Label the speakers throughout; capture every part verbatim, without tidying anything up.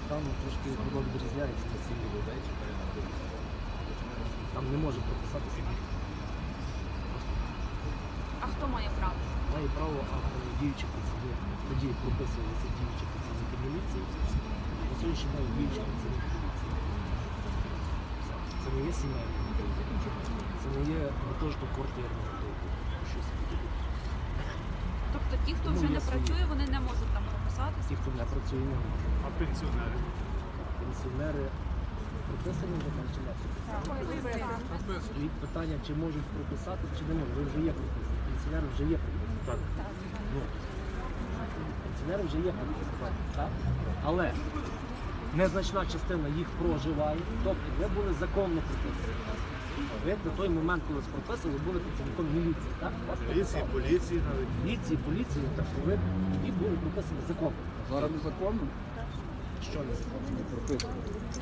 Speaker 1: там трошки відрізняється від сім'ї людей. Там не може прописатися.
Speaker 2: А хто має право?
Speaker 1: Має право, а діючі працівники. Тоді прописувалися діючі працівники міліції. На сьогоднішній день діючі працівники міліції. Це не є сімейний готовий. Це не є гуртожиток квартирний готовий.
Speaker 2: Тобто ті, хто вже не працює, вони не можуть там прописатися?
Speaker 1: Ті, хто не працює, не можуть.
Speaker 3: А пенсіонери?
Speaker 1: Пенсіонери прописані вже там чи не прописані? І питання, чи можуть прописати, чи не можуть. Ви вже є прописані. Пенсіонери вже є прописані. Так. Ну, пенсіонери вже є прописані. Так? Але незначна частина їх проживає. Тобто ви були законно прописані. Ви на той момент, коли вас прописали, були працівником міліції. Так?
Speaker 3: Міліції, поліції навіть.
Speaker 1: Міліції, поліції, так ви тоді були прописані законно.
Speaker 4: Зараз незаконно?
Speaker 1: Що не законно?
Speaker 4: Не прописано.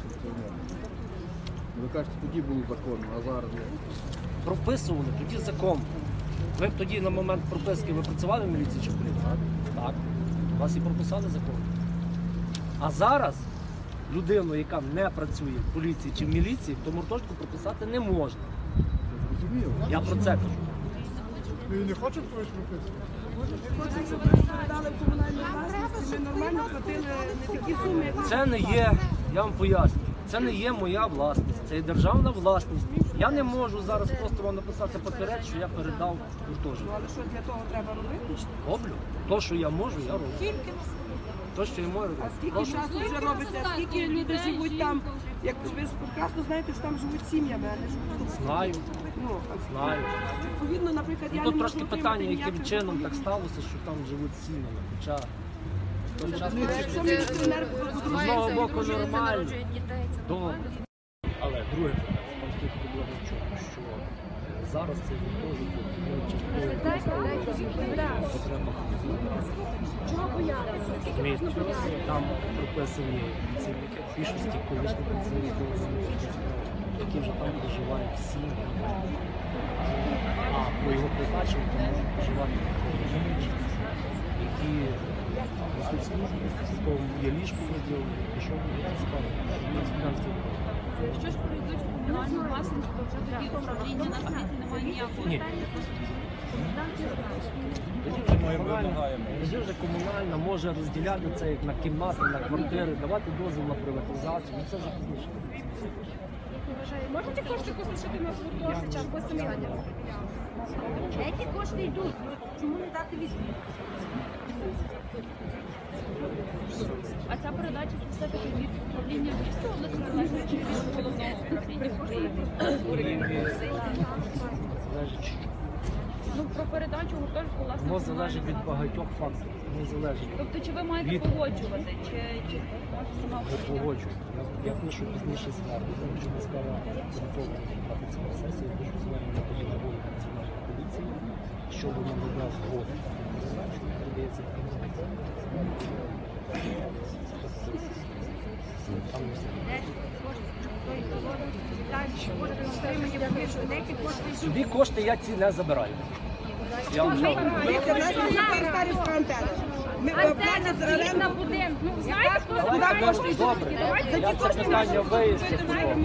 Speaker 4: Ви кажете, тоді було законно, а зараз не.
Speaker 1: Прописували тоді закон. Ви б тоді на момент прописки ви працювали в міліції чи в поліції? Так. Вас і прописали закон. А зараз людину, яка не працює в поліції чи в міліції, то гуртожитку прописати не можна.
Speaker 4: Зрозуміло.
Speaker 1: Я про це кажу.
Speaker 3: Ви не хочете когось прописувати?
Speaker 5: Хочуть, щоб ми передали в комунальну власність, і ми нормально платили не такі суми, як
Speaker 1: Це не є, я вам поясню, це не є моя власність, це є державна власність. Я не можу зараз просто вам написати папірець, що я передав гуртожиток.
Speaker 5: але що для того треба робити?
Speaker 1: Роблю. То, що я можу, я роблю.
Speaker 5: Скільки?
Speaker 1: То, що я можу,
Speaker 5: А
Speaker 1: роблю.
Speaker 5: скільки
Speaker 1: Прошу.
Speaker 5: часу вже робиться? Скільки люди живуть там? Як ви прекрасно знаєте, що там живуть сім'ями, а не живуть тут.
Speaker 1: Знаю,
Speaker 5: Ну, а
Speaker 1: знаю.
Speaker 5: відповідно, наприклад, я
Speaker 1: Ну,
Speaker 5: не
Speaker 1: тут
Speaker 5: можу
Speaker 1: трошки
Speaker 5: отримати
Speaker 1: питання, яким
Speaker 5: ніяких
Speaker 1: чином так
Speaker 5: документів.
Speaker 1: сталося, що там живуть сім'ями. Хоча в той час
Speaker 5: Якщо міліціонер
Speaker 1: з одного боку нормально. Добре. Але друге питання, там стоїть проблема в чому, що зараз цей гуртожиток ну, частково потреба.
Speaker 5: Чого боятися?
Speaker 1: Розумієте, там прописані працівники, більшості колишні працівники, які вже там проживають всі. А по його призначенню там можуть проживати інші, які несуть службу, в кого є ліжко виділено, пішов на справу, на студентській.
Speaker 2: Якщо ж прийдуть в комунальну власність, то вже тоді управління на світі немає ніякого.
Speaker 1: Ні. Тоді вже комунальна, тоді вже комунальна може розділяти це як на кімнати, на квартири, давати дозвіл на приватизацію, ну це вже пізніше.
Speaker 5: Можете кошти послушати на гуртожиток час по сім'ї?
Speaker 6: Які кошти йдуть? Чому не дати відповідь?
Speaker 2: А ця передача це все-таки від управління Львівської області залежить чи від головного управління?
Speaker 1: Залежить.
Speaker 2: Ну, про передачу гуртожитку, власне,
Speaker 1: Воно залежить від багатьох факторів. Не залежить.
Speaker 2: Тобто, чи ви маєте
Speaker 1: від-
Speaker 2: погоджувати, чи, чи може сама
Speaker 1: Я погоджуюсь. Я, я пишу пізніше звернення, тому що міська рада готова розглядати цю сесію, я пишу звернення тоді на голову національної поліції, щодо надання згоди. Передається в Київську. Там не все. Собі кошти я ці не забираю. Я вам кажу.
Speaker 5: Дивіться, в нас є старівська антенна. Ми платять за оренду.
Speaker 2: Ну, знаєте, хто
Speaker 1: Давайте, добре, я це питання виясню.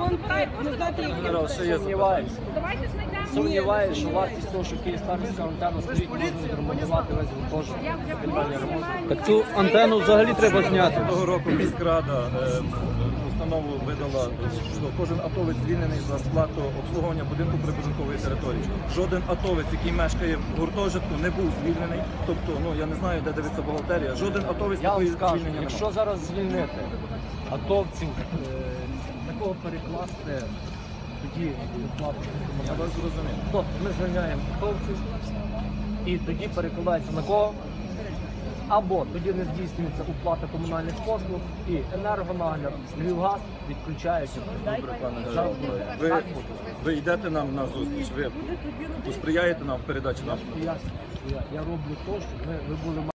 Speaker 1: Сумніваюся.
Speaker 2: Давайте знайдемо.
Speaker 1: Сумніваюся, що вартість того, що Київстарська антенна стоїть, можна відремонтувати весь гуртожиток. Питання ремонту.
Speaker 7: Так цю антенну взагалі треба зняти.
Speaker 3: Того року міськрада е, установу видала, що кожен атовець звільнений за сплату обслуговування будинку прибудинкової території. Жоден атовець, який мешкає в гуртожитку, не був звільнений. Тобто, ну я не знаю, де дивиться бухгалтерія. Жоден атовець
Speaker 1: Я вам
Speaker 3: такої
Speaker 1: скажу,
Speaker 3: звільнення
Speaker 1: якщо
Speaker 3: немає.
Speaker 1: зараз звільнити атовців, е, такого перекласти, тоді доплату.
Speaker 3: Я вас зрозумів.
Speaker 1: Тобто ми звільняємо атовців і тоді перекладається на кого? Або тоді не здійснюється оплата комунальних послуг і енергонагляд, Львівгаз відключається.
Speaker 3: Добре, пане Дар'я. Ви, ви йдете нам на зустріч, ви посприяєте нам в передачі
Speaker 1: Я
Speaker 3: нам.
Speaker 1: ж пояснюю, що я, я роблю те, щоб ви, ви були